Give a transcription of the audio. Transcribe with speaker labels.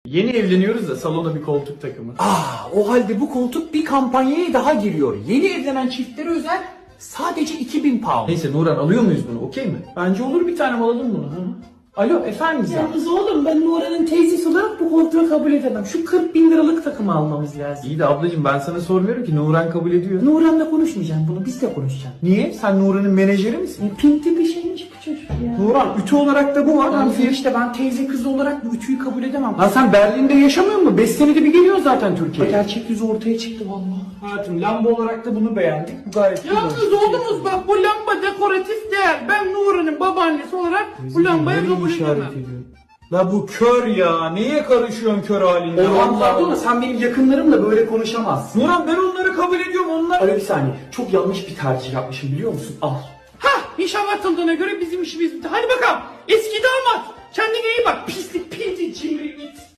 Speaker 1: Yeni evleniyoruz da salona bir koltuk takımı.
Speaker 2: O halde bu koltuk bir kampanyaya daha giriyor. Yeni evlenen çiftlere özel sadece 2000 pound.
Speaker 1: Neyse Nuran alıyor muyuz bunu, okey mi? Bence olur, bir tanem alalım bunu. Hı. Alo efendim ya.
Speaker 2: Yalnız oğlum ben Nuran'ın teyzesi olarak bu koltuğu kabul edemem. Şu 40.000 liralık takımı almamız lazım.
Speaker 1: İyi de ablacığım ben sana sormuyorum ki, Nuran kabul ediyor.
Speaker 2: Nuran'la konuşmayacağım bunu, biz de konuşacağım.
Speaker 1: Niye? Sen Nuran'ın menajeri misin?
Speaker 2: Pinti bir şeymiş bu çocuk ya.
Speaker 1: Nuran ütü olarak da bu var.
Speaker 2: Lan işte ben teyze kızı olarak bu ütüyü kabul edemem.
Speaker 1: Lan sen Berlin'de yaşamıyor musun? 5 senede bir geliyor zaten Türkiye'ye.
Speaker 2: Gerçek yüzü ortaya çıktı vallahi.
Speaker 1: Hayatım lamba olarak da bunu beğendik. Bu gayet güzel.
Speaker 3: Yalnız oğlumuz bak, bu lamba dekoratif değer. Ben Nuri'nin babaannesi olarak bu lambayı
Speaker 1: Nereyi
Speaker 3: kabul
Speaker 1: işaret
Speaker 3: edemem.
Speaker 1: ediyor? La bu kör ya. Niye karışıyorsun kör halinde?
Speaker 2: Orhan pardon da sen benim yakınlarımla böyle konuşamazsın.
Speaker 1: Nuran ben onları kabul ediyorum. Onlar...
Speaker 2: Alo bir saniye. Çok yanlış bir tercih yapmışım biliyor musun? Al.
Speaker 3: Hah, nişan atıldığına göre bizim işimiz bitti. Hadi bakalım eski damat, kendine iyi bak, pislik pinti cimri it.